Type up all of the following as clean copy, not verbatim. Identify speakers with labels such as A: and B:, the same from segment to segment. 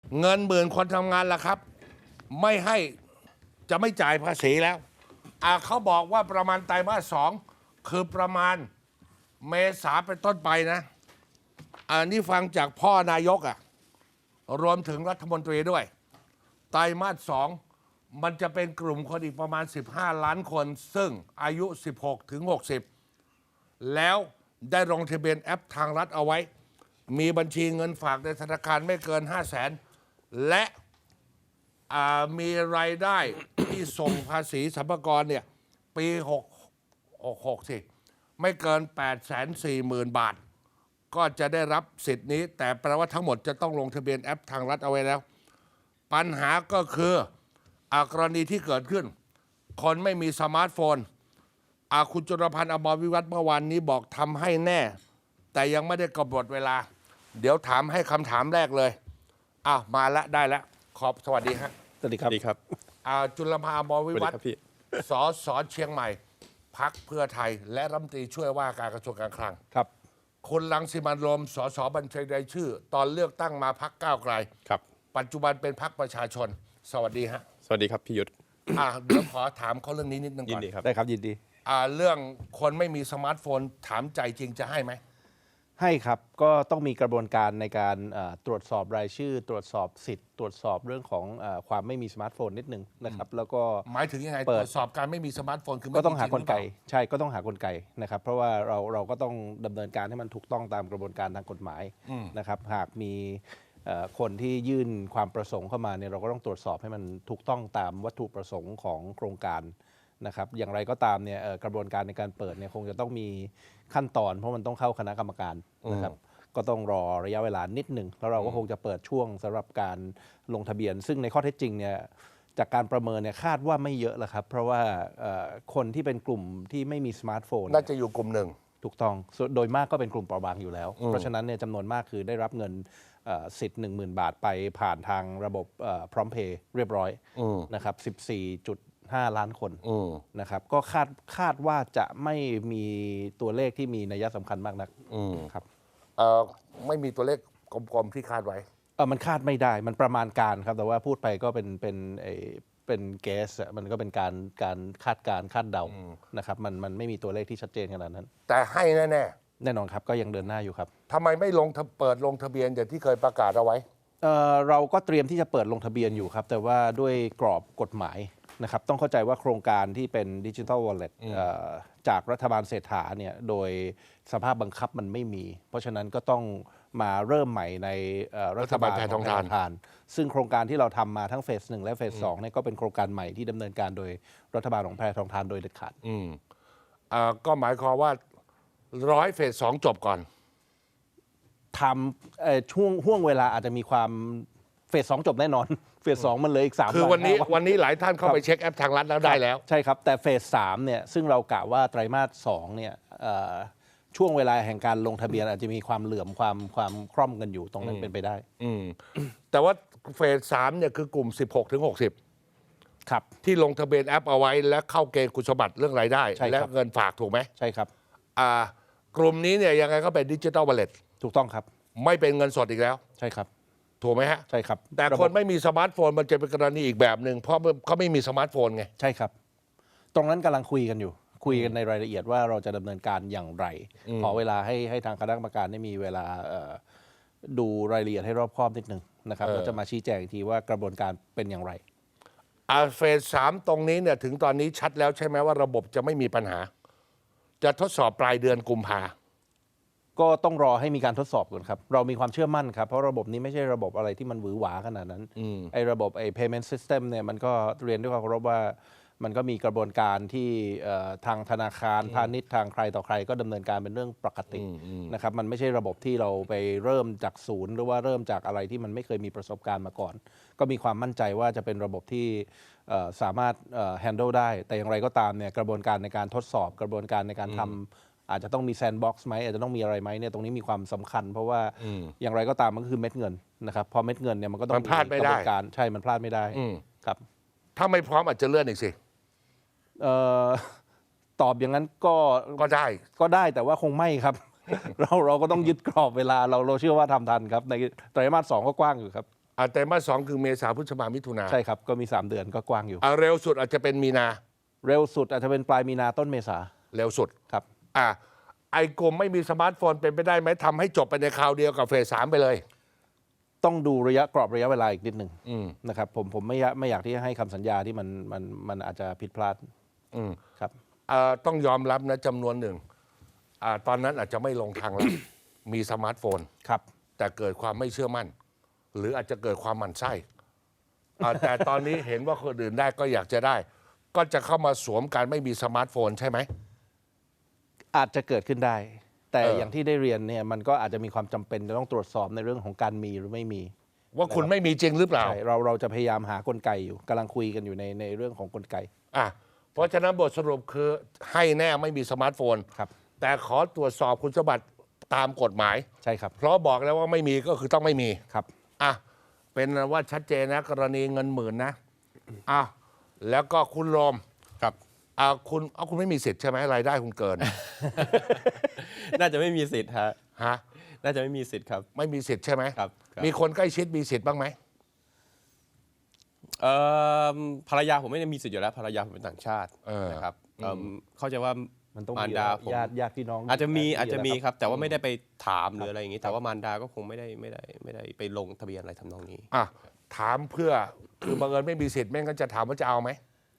A: เงินหมื่นคนทำงานล่ะครับ ไม่ให้จะไม่จ่ายภาษีแล้วเขาบอกว่าประมาณไตรมาส 2คือประมาณเมษาเป็นต้นไปนะนี่ฟังจากพ่อนายกรวมถึงรัฐมนตรีด้วยไตรมาส 2มันจะเป็นกลุ่มคนอีกประมาณ15 ล้านคนซึ่งอายุ16 ถึง 60แล้วได้ลงทะเบียนแอปทางรัฐเอาไว้มีบัญชีเงินฝากในธนาคารไม่เกิน 500,000 และมีรายได้ ที่ส่งภาษีสรรพากรเนี่ยปี6สิไม่เกิน 840,000 บาท ก็จะได้รับสิทธิ์นี้แต่แปลว่าทั้งหมดจะต้องลงทะเบียนแอปทางรัฐเอาไว้แล้ว ปัญหาก็คือกรณีที่เกิดขึ้น คนไม่มีสมาร์ทโฟนคุณจุลพันธ์อมรวิวัฒน์เมื่อวานนี้บอกทำให้แน่ แต่ยังไม่ได้กำหนดเวลา เดี๋ยวถามให้คำถามแรกเลยมาละได้แล้วสวัสดีฮะ
B: สวัสดีครับ
A: จุลพันธ์อมรวิวัฒน์สสเชียงใหม่พรรคเพื่อไทย และรัฐมนตรีช่วยว่าการกระทรวงการคลัง
B: ครับ
A: คุณรังสิมันต์โรมสสบัญชีรายชื่อ ตอนเลือกตั้งมาพรรคก้าวไกล
B: ครับ
A: ปัจจุบันเป็นพรรคประชาชน สวัสดีฮะ
B: สวัสดีครับพี่ยุทธ
A: เดี๋ยวขอถามเขาเรื่องนี้นิดนึง
B: ยิ
A: ก่อน
B: ดีครับ
C: ได้ครับยินดี
A: เรื่องคนไม่มีสมาร์ทโฟนถามใจจริงจะให้ไหม
C: ให้ครับก็ต้องมีกระบวนการในการตรวจสอบรายชื่อ ตรวจสอบสิทธิ์ ตรวจสอบเรื่องของความไม่มีสมาร์ทโฟนนิดนึงนะครับแล้วก็
A: หมายถึงยังไงต
C: เปิด
A: รวจสอบการไม่มีสมาร์ทโฟนคือไม่
C: ก็ต้องหากลไก
A: มีจริงหรือเปล่
C: ใช่ก็ต้องหากลไกนะครับเพราะว่าเราก็ต้องดำเนินการให้มันถูกต้องตามกระบวนการทางกฎหมายนะครับหากมีคนที่ยื่นความประสงค์เข้ามาเนี่ยเราก็ต้องตรวจสอบให้มันถูกต้องตามวัตถุประสงค์ของโครงการนะครับอย่างไรก็ตามเนี่ยกระบวนการในการเปิดเนี่ยคงจะต้องมีขั้นตอนเพราะมันต้องเข้าคณะกรรมการนะครับก็ต้องรอระยะเวลานิดหนึ่งแล้วเราก็คงจะเปิดช่วงสำหรับการลงทะเบียน ซึ่งในข้อเท็จจริงเนี่ยจากการประเมินเนี่ยคาดว่าไม่เยอะแล้วครับเพราะว่าคนที่เป็นกลุ่มที่ไม่มีสมาร์ทโฟน
A: น่าจะอยู่กลุ่มหนึ่ง
C: ถูกต้องโดยมากก็เป็นกลุ่มเปราะบางอยู่แล้ว เพราะฉะนั้นเนี่ยจำนวนมากคือได้รับเงินสิทธิ์ 10,000 บาทไปผ่านทางระบบพร้อมเพย์เรียบร้อยนะครับ 14.5 ล้านคนนะครับก็คาดว่าจะไม่มีตัวเลขที่มีนัยสำคัญมากนักครับ
A: ไม่มีตัวเลขกลมๆที่คาดไว้
C: มันคาดไม่ได้มันประมาณการครับแต่ว่าพูดไปก็เป็นเกสมันก็เป็นการคาดการคาดเดานะครับมันไม่มีตัวเลขที่ชัดเจนขนาดนั้น
A: แต่ให้แน่
C: แน่นอนครับก็ยังเดินหน้าอยู่ครับ
A: ๆทำไมไม่เปิดลงทะเบียนอย่างที่เคยประกาศเอาไว้
C: เราก็เตรียมที่จะเปิดลงทะเบียนอยู่ครับแต่ว่าด้วยกรอบกฎหมายนะครับต้องเข้าใจว่าโครงการที่เป็นดิจิทัลวอลเล็ตจากรัฐบาลเศรษฐาเนี่ยโดยสภาพบังคับมันไม่มี เพราะฉะนั้นก็ต้องมาเริ่มใหม่ในรัฐบาลของแพทองทานซึ่งโครงการที่เราทำมาทั้งเฟส 1 และเฟส 2เนี่ยก็เป็นโครงการใหม่ที่ดำเนินการโดยรัฐบาลของแพทองทานโดยเด็ดขาด
A: ก็หมายความว่าร้อยเฟส 2จบก่อน
C: ทำห่วงเวลาอาจจะมีความเฟส 2จบแน่นอน เฟส 2มันเหลยอีก3
A: คือวันนี้หลายท่านเข้า
C: ครับ
A: ไปเช็คแอปทางรัฐแล้วได้แล้ว
C: ใช่ครับแต่เฟส 3เนี่ยซึ่งเรากะว่าไตรมาส 2เนี่ยช่วงเวลาแห่งการลงทะเบียนอาจจะมีความเหลื่อมความคล่อมกันอยู่ตรงนั้นเป็นไปได้
A: แต่ว่าเฟส 3เนี่ยคือกลุ่ม 16 ถึง 60
C: ครับ
A: ที่ลงทะเบียนแอปเอาไว้และเข้าเกณฑ์คุณสมบัติเรื่องรายได้
C: ใช่ครับ
A: และเงินฝากถูกไหม
C: ใช่ครับ
A: กลุ่มนี้เนี่ยยังไงก็เป็นดิจิทัลวอลเล็ต
C: ถูกต้องครับ
A: ไม่เป็นเงินสดอีกแล้ว
C: ใช่ครับ
A: ถูกไหมฮะ
C: ใช่ครับ
A: แต่คนไม่มีสมาร์ทโฟนมันจะเป็นกรณีอีกแบบหนึ่งเพราะเขาไม่มีสมาร์ทโฟนไง
C: ใช่ครับ ตรงนั้นกำลังคุยกันอยู่ คุยกันในรายละเอียดว่าเราจะดำเนินการอย่างไรขอเวลาให้ทางคณะกรรมการได้มีเวลาดูรายละเอียดให้รอบคอบนิดหนึ่งนะครับแล้วจะมาชี้แจงอีกทีว่ากระบวนการเป็นอย่างไร
A: เฟส 3ตรงนี้เนี่ยถึงตอนนี้ชัดแล้วใช่ไหมว่าระบบจะไม่มีปัญหา จะทดสอบปลายเดือนกุมภา
C: ก็ต้องรอให้มีการทดสอบก่อนครับเรามีความเชื่อมั่นครับเพราะระบบนี้ไม่ใช่ระบบอะไรที่มันหวือหวาขนาดนั้นไอ้ระบบpayment system เนี่ยมันก็เรียนด้วยความเคารพว่ามันก็มีกระบวนการที่ทางธนาคารพาณิชย์ทางใครต่อใครก็ดำเนินการเป็นเรื่องปกตินะครับมันไม่ใช่ระบบที่เราไปเริ่มจากศูนย์หรือว่าเริ่มจากอะไรที่มันไม่เคยมีประสบการณ์มาก่อนก็มีความมั่นใจว่าจะเป็นระบบที่สามารถhandle ได้แต่อย่างไรก็ตามเนี่ยกระบวนการในการทดสอบกระบวนการในการทำอาจจะต้องมีแซนด์บ็อกซ์ไหมอาจจะต้องมีอะไรไหมเนี่ยตรงนี้มีความสำคัญเพราะว่าอย่างไรก็ตามมันก็คือเม็ดเงินนะครับพอเม็ดเงินเนี่ยมันก็ต้อง
A: มันพลาดไม่ได้
C: กระบวนการใช่มันพลาดไม่ได้ครับ
A: ถ้าไม่พร้อมอาจจะเลื่อนอีกสิ
C: ตอบอย่างนั้น
A: ก็ได้
C: แต่ว่าคงไม่ครับ เราก็ต้องยึดกรอบเวลาเราเชื่อว่าทำทันครับในไตรมาส 2ก็กว้างอยู่ครับ
A: ไตรมาส 2คือเมษาพฤษภามิถุนา
C: ใช่ครับก็มี 3 เดือนก็กว้างอยู่
A: เร็วสุดอาจจะเป็นมีนา
C: เร็วสุดอาจจะเป็นปลายมีนาต้นเมษา
A: เร็วสุด
C: ครับ
A: ไอ้กลุ่มไม่มีสมาร์ทโฟนเป็นไปได้ไหมทำให้จบไปในคราวเดียวกับเฟส 3ไปเลย
C: ต้องดูกรอบระยะเวลาอีกนิดหนึ่งนะครับผมไม่อยากที่จะให้คำสัญญาที่มันอาจจะผิดพลาดครับ
A: ต้องยอมรับนะจำนวนหนึ่งตอนนั้นอาจจะไม่ลงทางแล้ว มีสมาร์ทโฟน
C: ครับ
A: แต่เกิดความไม่เชื่อมั่น หรืออาจจะเกิดความหมั่นไส้แต่ตอนนี้เห็นว่าคนอื่นได้ก็อยากจะได้ ก็จะเข้ามาสวมการไม่มีสมาร์ทโฟนใช่ไหม
C: อาจจะเกิดขึ้นได้ แต่อย่างที่ได้เรียนเนี่ยมันก็อาจจะมีความจำเป็นจะต้องตรวจสอบในเรื่องของการมีหรือไม่มี
A: ว่าคุณไม่มีจริงหรือเปล่า
C: ใช่เราจะพยายามหากลไกอยู่กำลังคุยกันอยู่ในเรื่องของกลไก
A: เพราะฉะนั้นบทสรุปคือให้แน่ไม่มีสมาร์ทโฟน
C: ครับ
A: แต่ขอตรวจสอบคุณสมบัติตามกฎหมาย
C: ใช่ครับ
A: เพราะบอกแล้วว่าไม่มีก็คือต้องไม่มี
C: ครับ
A: เป็นว่าชัดเจนนะกรณีเงินหมื่นนะแล้วก็คุณโรม
B: ครับ
A: คุณไม่มีสิทธิ์ใช่ไหมรายได้คุณเกิน
B: น่าจะไม่มีสิทธิ์ฮะ
A: ฮะ
B: น่าจะไม่มีสิทธิ์ครับ
A: ไม่มีสิทธิ์ใช่ไหม
B: ครับ
A: มีคนใกล้ชิดมีสิทธิ์บ้างไหม
B: ภรรยาผมไม่ได้มีสิทธิ์อยู่แล้วภรรยาผมเป็นต่างชาตินะครับเข้าใจว่า
C: มันต้อง
B: มาร
C: มี
B: ดาผม
C: ญาติพี่น้อง
B: อาจจะมี
C: ยู่แล้ว
B: ครับ แต่ว่าไม่ได้ไปถามหรืออะไรอย่างนี้ แต่ว่ามารดาก็คงไม่ได้ไปลงทะเบียนอะไรทำนองนี้
A: ถามเพื่อคือบังเอิญไม่มีสิทธิ์ไม่งั้นจะถามว่าจะเอาไหม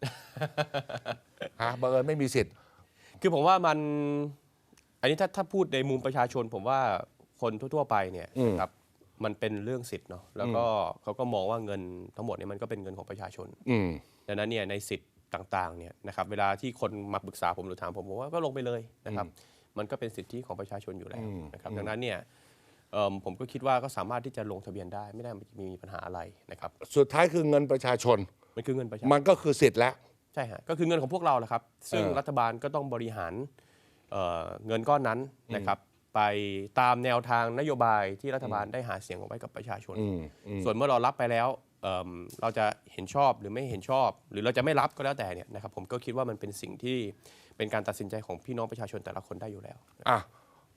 A: บังเอิญไม่มีสิทธิ์
B: คือผมว่ามันอันนี้ถ้าพูดในมุมประชาชน ผมว่าคนทั่วๆไปเนี่ยครับมันเป็นเรื่องสิทธิ์เนาะแล้วก็เขาก็มองว่าเงินทั้งหมดเนี่ยมันก็เป็นเงินของประชาชนดังนั้นเนี่ยในสิทธิ์ต่างๆเนี่ยนะครับเวลาที่คนมาปรึกษาผมหรือถามผมว่าก็ลงไปเลยนะครับมันก็เป็นสิทธิของประชาชนอยู่แล้วนะครับดังนั้นเนี่ยผมก็คิดว่าก็สามารถที่จะลงทะเบียนได้ไม่ได้มีปัญหาอะไรนะครับ
A: สุดท้ายคือเงินประชาชน
B: มันคือเงินประชาช
A: มัน นก็คือสิทธิ์แล้ว
B: ใช่ฮะก็คือเงินของพวกเราแหละครับซึ่งรัฐบาลก็ต้องบริหารเงินก้อนนั้นนะครับไปตามแนวทางนโยบายที่รัฐบาลได้หาเสียงเอาไว้กับประชาชนส่วนเมื่อเรารับไปแล้วเราจะเห็นชอบหรือไม่เห็นชอบ หรือเราจะไม่รับก็แล้วแต่เนี่ยนะครับผมก็คิดว่ามันเป็นสิ่งที่เป็นการตัดสินใจของพี่น้องประชาชนแต่ละคนได้อยู่แล้ว